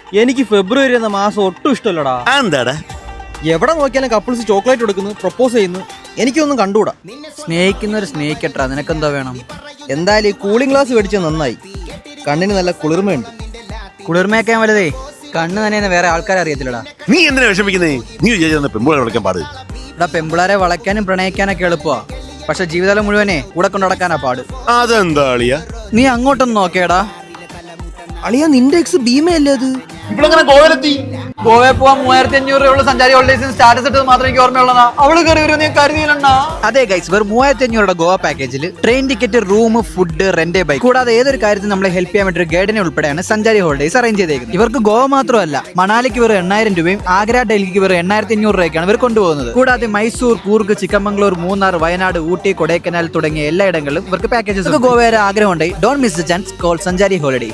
എനിക്ക് ഫെബ്രുവരി എന്ന മാസം ഒട്ടും ഇഷ്ടമല്ലടാ. എന്താടാ? എവിടെ നോക്കിയാലും കപ്പിൾസ് ചോക്ലേറ്റ് കൊടുക്കുന്നു, പ്രപ്പോസ് ചെയ്യുന്നു. എനിക്കൊന്നും കണ്ടുകൂടാ. സ്നേഹിക്കുന്നവർ സ്നേഹിക്കട്ടാ, നിനക്കെന്തോ വേണം? എന്തായാലും ഈ കൂളിംഗ് ഗ്ലാസ് മേടിച്ചത് നന്നായി. കണ്ണിന് നല്ല കുളിർമയുണ്ട്. കുളിർമയൊക്കെ വലുതേ, കണ്ണ് തന്നെ വേറെ ആൾക്കാരെ അറിയത്തില്ലടാ. നീ എന്തിനാ വിഷമിക്കുന്നേ? നീ വിചാരിച്ച പെമ്പുളെ വിളിക്കാൻ പാട്. ഇവിടെ പെമ്പിളാരെ വളയ്ക്കാനും പ്രണയിക്കാനൊക്കെ എളുപ്പമാ, പക്ഷെ ജീവിതകാലം മുഴുവനെ കൂടെ കൊണ്ടു നടക്കാനാ പാട്. അതെന്താ അളിയാ? നീ അങ്ങോട്ടൊന്ന് നോക്കേടാ. അളിയാ, നിന്റെ എക്സ് ഭീമയല്ലേ അത്? ഇവളെങ്ങനെ ഗോവയിലെത്തി? ഗോവയിൽ പോവാൻ 3500 രൂപയുള്ള സഞ്ചാരി ഹോളിഡേയ്സിന് സ്റ്റാറ്റസ് ഇട്ടത് മാത്രം എനിക്ക് ഓർമ്മയുള്ളതാ. അവള് കയറി വരും നീ കരുതിയില്ലണ്ണാ. അതെ ഗൈസ്, വെറും 3500 ഗോവ പാക്കേജിൽ train ticket, room, food, rent bike കൂടാതെ ഏതൊരു കാര്യത്തിൽ നമ്മളെ ഹെൽപ്പ് ചെയ്യാൻ വേണ്ടി ഒരു ഗൈഡിനെ ഉൾപ്പെടെയാണ് സഞ്ചാരി ഹോളിഡേയ്സ് അറേഞ്ച് ചെയ്തേക്കുന്നത്. ഇവർക്ക് ഗോവ മാത്രമല്ല, മണാലിക്ക് വെറും 8000 രൂപയും ആഗ്ര, ഡൽഹിക്ക് വെറും 8500 രൂപയ്ക്കാണ് ഇവർ കൊണ്ടുപോകുന്നത്. കൂടാതെ മൈസൂർ, കൂർഗ്, ചിക്കമംഗ്ലൂർ, മൂന്നാർ, വയനാട്, ഊട്ടി, കൊടൈക്കനാൽ തുടങ്ങിയ എല്ലായിടങ്ങളിലും ഇവർക്ക് പാക്കേജസ്. ഗോവ വരെ ആഗ്രഹമുണ്ടെങ്കിൽ don't miss the chance. Call Sanchari holidays.